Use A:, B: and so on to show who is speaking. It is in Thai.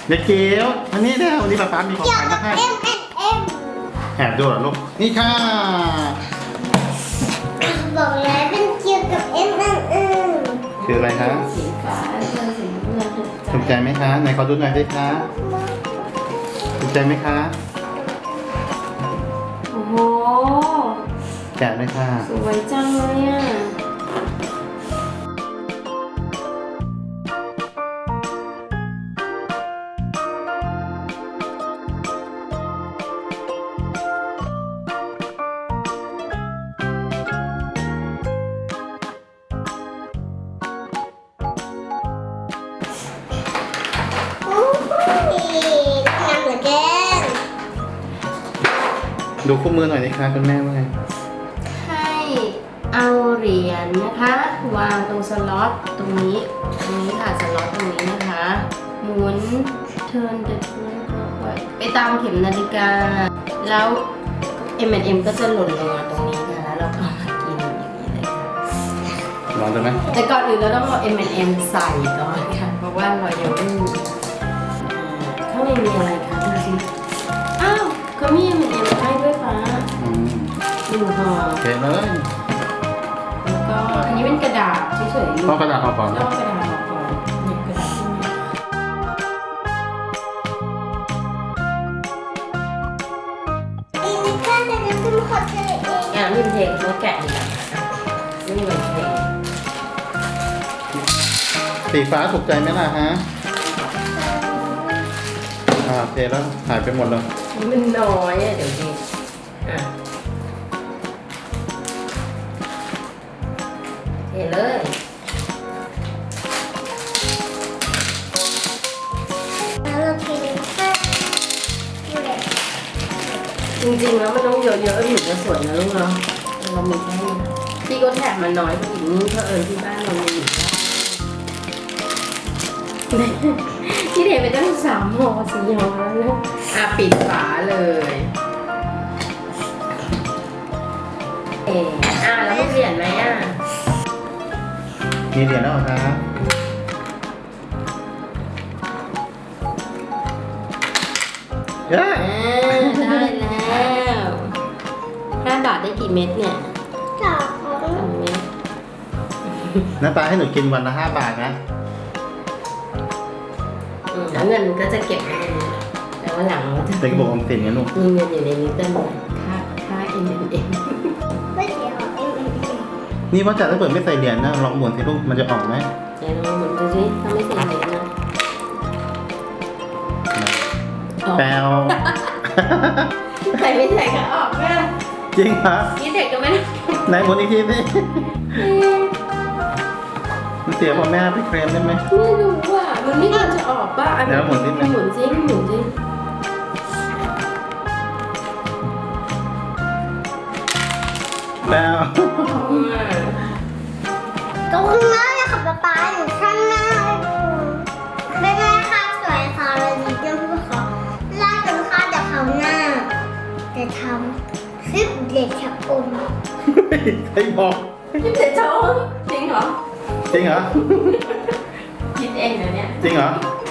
A: เด็กเกียวอันนี้เดี๋ยววันนี้ป๊ามีของ
B: เกี่ยว
A: ขวัญ
B: กั
A: มา
B: บ
A: ให้
B: M&M
A: แอบดูเหรอลูกนี่ค่ะ
B: บอกแล้วเป็นเกี่ยวกับ M&M
A: คืออะไรคะ
C: สีฟ้าเสื้อสีเงิน
A: ถูกใจไหมคะไหนขอดูหน่อยได้คะถูกใจไหมคะ
C: โอ้โห
A: แกะเลยค่ะ
C: สวยจังเลยอ่ะ
B: โอ้ยงามเหลือเกิน
A: ดูคู่มือหน่อยนะคะคุณแม่ว่าไง
C: ให้เอาเหรียญนะคะ วางตรงสล็อตตรงนี้ค่ะสล็อตตรงนี้นะคะ หมุนเทิร์นเดินไปตามเข็มนาฬิกา แล้ว M&M ก็จะหล่นลงมาตรงนี้ค่ะแล้วเราก็มากินอย่างนี้เลยค่ะ
A: ลองดูไหม
C: แต่ก่อนอื่นเราต้องเอา M&M ใส่ก่อนค่ะ เพราะว่าเรายังไม่มีข้างในมีอะไรคะดูสิอ้าวเขามี M&M ให้ด้วยฟ้า
A: อืม
C: หนึ่งห่อ
A: โอเคเลย
C: แล้วก็อันนี้เป็นกระดาษเฉยๆ
A: ต้องกระดาษห่อก่อน
C: ต้องกระดาษห่อก่อนหยิบกระดาษขึ้นมา
B: อีกข้างหนึงก็คือขอเจอเอง
C: อ่ะริมเทงเขาแกะอีกแล้วนี่เหมือนเทง
A: สีฟ้าถูกใจไหมล่ะฮะเทแล้วหายไปหมดเลย
C: นี่มันน้อยอ่ะเดี๋ยวดิอ่ะเทเลย
B: แล้วเราเทข้างอยู่เลย
C: จริงๆแล้วมันต้องเยอะๆถึงจะสวยนะลูกเนาะเรามีแค่นี้พี่ก็แถบมันน้อยกว่าอีกนี่เพราะที่บ้านเรามีอยู่ที่เทไปตั้ง3 ห่อ4 ห่อแล้วนะอ่ะปิดฝาเลยแล้วมีเหรียญไหมอ่ะ
A: มีเหรียญแล้วเหรอคะเย้
C: ได้แล้ว5 บาทได้กี่เม็ดเนี่ย
B: ต่อของ
C: 3 เม็ด
A: น้าปลาให้หนูกินวันละ5 บาทนะ
C: แล้วเงินก็จะเก็บไว้ในนี้แต่ว่าหลังเราจะ
A: เป็นกระบอกออมสินนะลูก
C: มีเงินอยู่ในนี้เต็มเลยค่า M&M
B: ไม่เกี่ยวกับ M&M
A: นี่ว่าจะถ้าเปิดไม่ใส่เหรียญนะลองหมุนสิลูกมันจะออกไหม
C: เดี๋ยวลองหมุนดูสิถ้าไม่ใส่เหรียญนะออก
A: แปลว
C: ใส่ไม่ใส่ก็ออกนะ
A: จริงเหรอ
C: นี่เด็กก็ไม่ได้
A: ไหนหมุนอีกทีสิมันเสียพอแม่ไปเคลมได้ไหม
C: ไม่รู้อ่ะมันไม่ควรจะออกป่ะ
A: เดี๋ยวหมุนนิดนึง
C: หมุนสิหมุนสิ
A: แปลว
B: ตรงหน้าเลยค่ะป๊าอยู่ข้างหน้าไม่ได้ค่ะสวยค่ะเราดีเจ้าผู้ขอลาจนค่ะแต่เขาหน้าแต่ทำคลิปเด็กชักอม
A: ใครบอก
C: พี่เด็กโชว์จริงเหรอ
A: จริงเหรอ
C: คิดเองนะเนี่ย
A: จริงเหรอ
C: จ